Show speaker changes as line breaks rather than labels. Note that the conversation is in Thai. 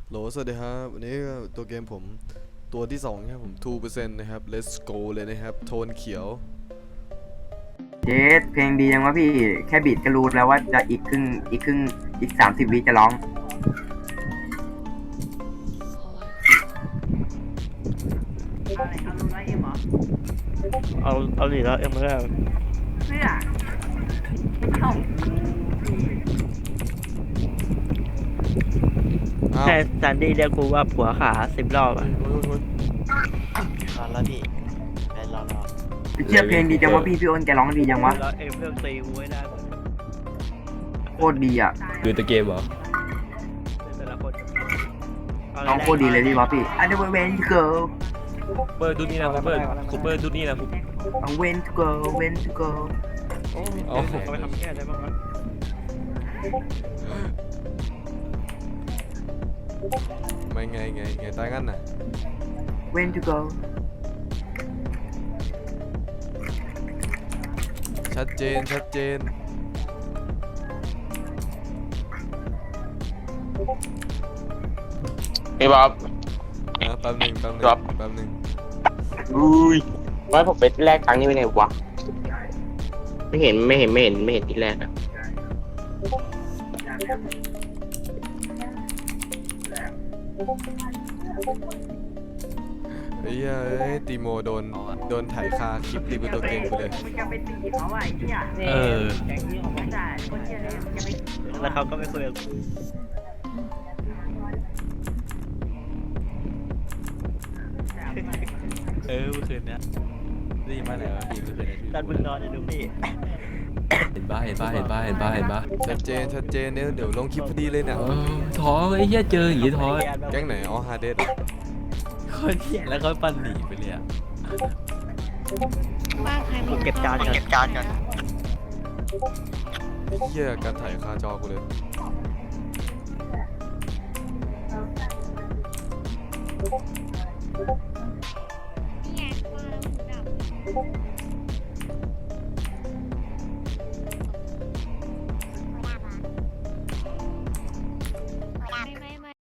โหลสวัสดีครับวันนี้ตัวเกมผมตัวที่2ครับผม 2% นะครับ Let's go เลยนะครับโทนเขียว
เจสเพลงดียังวะพี่แค่บีทก็รู้แล้วว่าจะอีก30 วิจะร้อง
เอาดิแล้วเอ็มก็ได้
อ้าว
ให้ซันดี้เรียกกูว่าผัวขา10 รอบอ่ะ
โอ้ย
รอแล้วพี่ไปรอ
เชื่อเพลงดีจังวะพี่อ้นแกร้องดีจังวะ
แล้วเอ็มเลือกตีกูไว้ได้หมด
โคตรดีอ่ะ
ดูตัวเกมเหรอ
แต่ละคน
ร้องโคตรดีเลยพี่วะพี่ I never went to go
เปิดดูนี่นะคูเปอร์ดูนี่นะคู
I went to go went to go
เอา
เอาไปทำแค่ได้บ้างวะ
ไม่ไงตายงั้นน่ะ
went to go
ชัดเจน
พี่บ๊อบ
แป๊บหนึ่ง
ครับ อุ้ยว่าผมไปแลกตังค์นี่ไปไหนวะไม่เห็นที่แรกอะ
ไอ้เหี้ยเอ้ยตีโมโดนถ่ายคาคลิปรีวิวตัวเกมกูเลย
เออ
แล้วเขาก็ไม่คุยกับกู
เมื่อคืนเนี้ยได้ยินมาแล้วพี่เมื่อคืนเนี้ย
ตอนมึงนอนอยู่ดูพี่
เห็นป่ะ
ชัดเจนเนี่ยเดี๋ยวลงคลิปพอดีเลยเนี่ย
ท้อไอ้เหี้ยเจออย่างงี้ท้อ
แก๊งไหนอ๋อฮาเดส
คนเหี้ยแล้วเขาปั่นหนีไปเลยอ่ะ
กูเก็บจานก่อน
ไอ้เหี้ยการถ่ายคาจอกูเลย
นี่ไงว่าแล้วหมูดับ